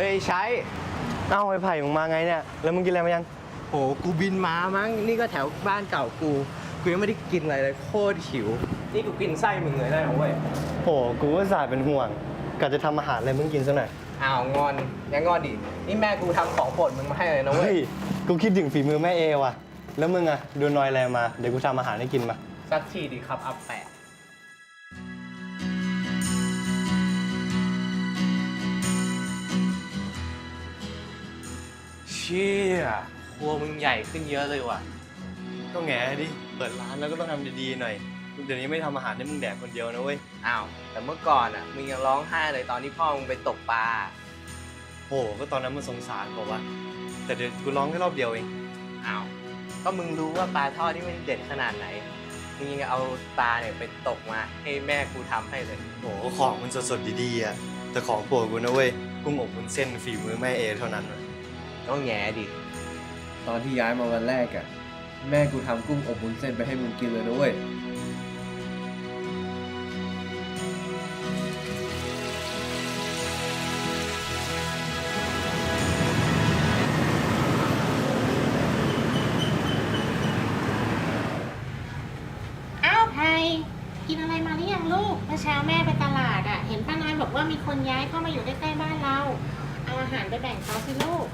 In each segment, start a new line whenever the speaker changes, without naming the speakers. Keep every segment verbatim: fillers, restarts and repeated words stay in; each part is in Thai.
ยใช้เอ้าไอ้ไผ่มึงมาไงเนี่ยแล้วมึงกินอะไรมายัง
โหกูบินมามั้งนี่ก็แถวบ้านเก่ากูกูยังไม่ได้กินอะไรเลยโคตรหิวนี่กูกินไส้มึงเลยได้เหรอเว้ย
โหกูก็สายเป็นห่วงกะจะทำอาหารอะไรมึงกินซะหน่อย
อ้าวงอนยังงอนดินี่แม่กูทำของโปรดมึงมาให้เลยนะเว้ย
กูคิดถึงฝีมือแม่เอว่ะแล้วมึงอะดูนอยอะไรมาเดี๋ยวกูทำอาหารให้กินมา
สักทีดิครับอัปแปะเชี่ยครัวมึงใหญ่ขึ้นเยอะเลยว่ะ
ก็แง่ดิเปิดร้านแล้วก็ต้องทำดีๆหน่อยเดี๋ยวนี้ไม่ทำอาหารให้มึงแดกคนเดียวนะเว้ย
อ้าวแต่เมื่อก่อนอ่ะมึงยังร้องไห้เลยตอนที่พ่อมึงไปตกปลา
โหก็ตอนนั้นมันสงสารบอกว่าแต่เดี๋ยวกูร้องแค่รอบเดียวเอง
อ้าวก็มึงรู้ว่าปลาทอดที่มันเด็ดขนาดไหนมึงยังเอาปลาเนี่ยไปตกมาให้แม่กูทำให้เลย
โหของมันสดๆดีๆอ่ะแต่ของโปรดกูนะเว้ยกุ้งอบวุ้นเส้นฝีมือแม่เอเท่านั้นเลย
ต้องแง่ดิ
ตอนที่ย้ายมาวันแรกอะแม่กูทำกุ้งอบวุ้นเส้นไปให้มึงกินเลยนะเว้ย
อ้าวไพกินอะไรมาหรือยังลูกเมื่อเช้าแม่ไปตลาดอะเห็นป้าน้อยบอกว่ามีคนย้ายเข้ามาอยู่ใกล้ๆบ้านเราเอาอาหารไปแบ่งเขาสิลูก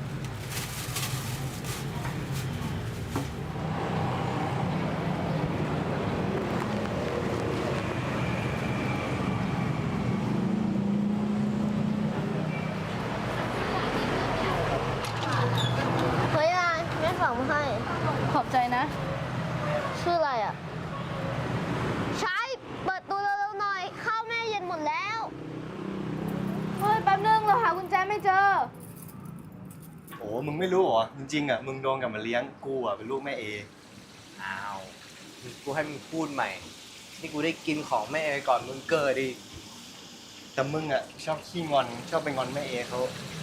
เฮ้ยยายแม่ฝากมาให้
ขอบใจนะ
ชื่ออะไรอ่ะใช้เปิดตัวเร็วๆหน่อยข้าวแม่เย็นหมดแล้ว
เฮ้ยแป๊บนึงเราหากุญแจไม่เจอ
โอ้มึงไม่รู้เหรอจริงๆอ่ะมึงโดนกับมาเลี้ยงกูอ่ะเป็นลูกแม่เอ
อ้าวกูให้มึงพูดใหม่นี่กูได้กินของแม่เอก่อนมึงเกิดดิ
แต่มึงอ่ะชอบขี้งอนชอบไปงอนแม่เอเขา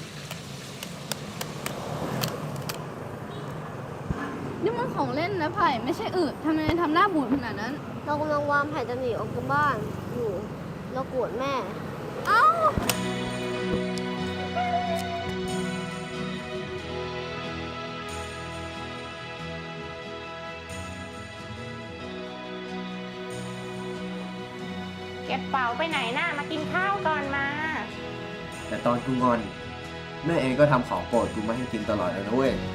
นี่มันของเล่นนะไผ่ไม่ใช่อึทำไมทำหน้าบูดขนาดนั้น
เรากำลังวางแผนจะหนีออกจากบ้านอยู่เราโกรธแม่
เอ้า
เก็บเป๋าไปไหนน่ะมากินข้าวก่อนมา
แต่ตอนกูงอนแม่เองก็ทำของโปรดกูมาให้กินตลอดเลยนะเว้ย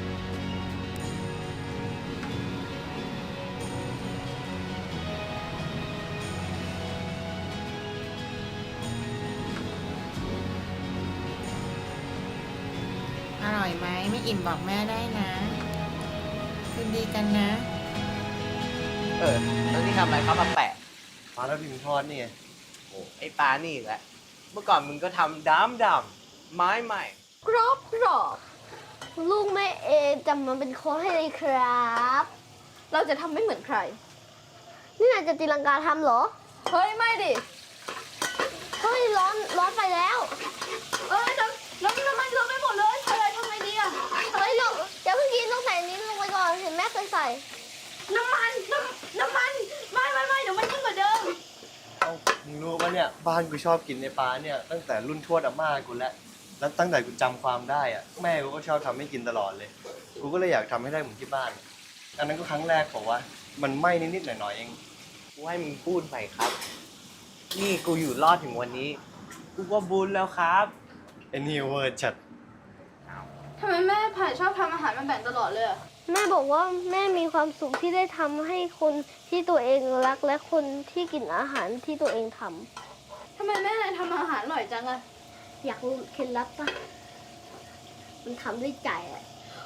อร่อยไหมไม่อิ่มบอกแม่ได้นะคืนดีกันนะ
เออแล้วนี่ทำอะไรครับมาแปะ
ปลาแล้วพิมทอดนี่ไง
โอ้ไอปลานี่อีกแล้วเมื่อก่อนมึงก็ทำดำดำไม้ใหม่
กรอบกรอบลูกแม่เอจำมันเป็นโค้ชให้เลยครับ
เราจะทำไม่เหมือนใคร
นี่นายจะตีลังกาทำเหรอ
เฮ้ยไม่ดิ
เฮ้ยร้อนร้อนไปแล้ว
เอ้ยน้ำน้ำน้ำมันลงไปหมดเลยอะไรทำไงดีอะ
เฮ้ยลงอย่าเพิ่งกินต้องใส่นี้ลงไปก่อนเห็นแม่เคยใส่
น้ำมันน้ำน้ำมันไม่ไม่ไม่เดี๋ยวมันยิ่งกว่าเดิม
เอ้ามึงรู้ปะเนี่ยบ้านกูชอบกินในปลาเนี่ยตั้งแต่รุ่นทวดอาม่ากูแล้วแล้วตั้งแต่กูจำความได้อ่ะแม่กูก็ชอบทำให้กินตลอดเลยกูก็เลยอยากทำให้ได้เหมือนที่บ้านอันนั้นก็ครั้งแรกบอกว่ามันไหม้นิดๆหน่อยๆเอง
กูให้มึงพูดใหม่ครับนี่กูอยู่รอดถึงวันนี้กูก็บุญแล้วครับ
ไอ้นี่เวอร์จัด
ทำไมแม่ไผ่ชอบทำอาหารมาแบ่งตลอดเลยอะ
แม่บอกว่าแม่มีความสุขที่ได้ทำให้คนที่ตัวเองรักและคนที่กินอาหารที่ตัวเองทำ
ทำไมแม่นายทำอาหารอร่อยจังอะ
อยากรู้เคล็ดลับปะมันทำด้วยใจอะ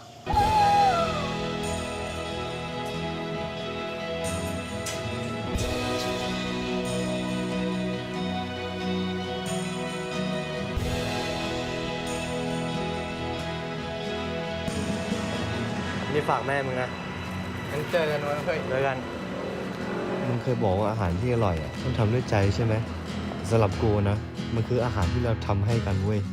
นี่ฝากแม่มึงนะ
งั้นเจอกันวันเพื่อน
เจอกันมึงเคยบอกว่าอาหารที่อร่อยอ่ะต้องทำด้วยใจใช่ไหมสำหรับกูนะมันคืออาหารที่เราทำให้กันเว้ย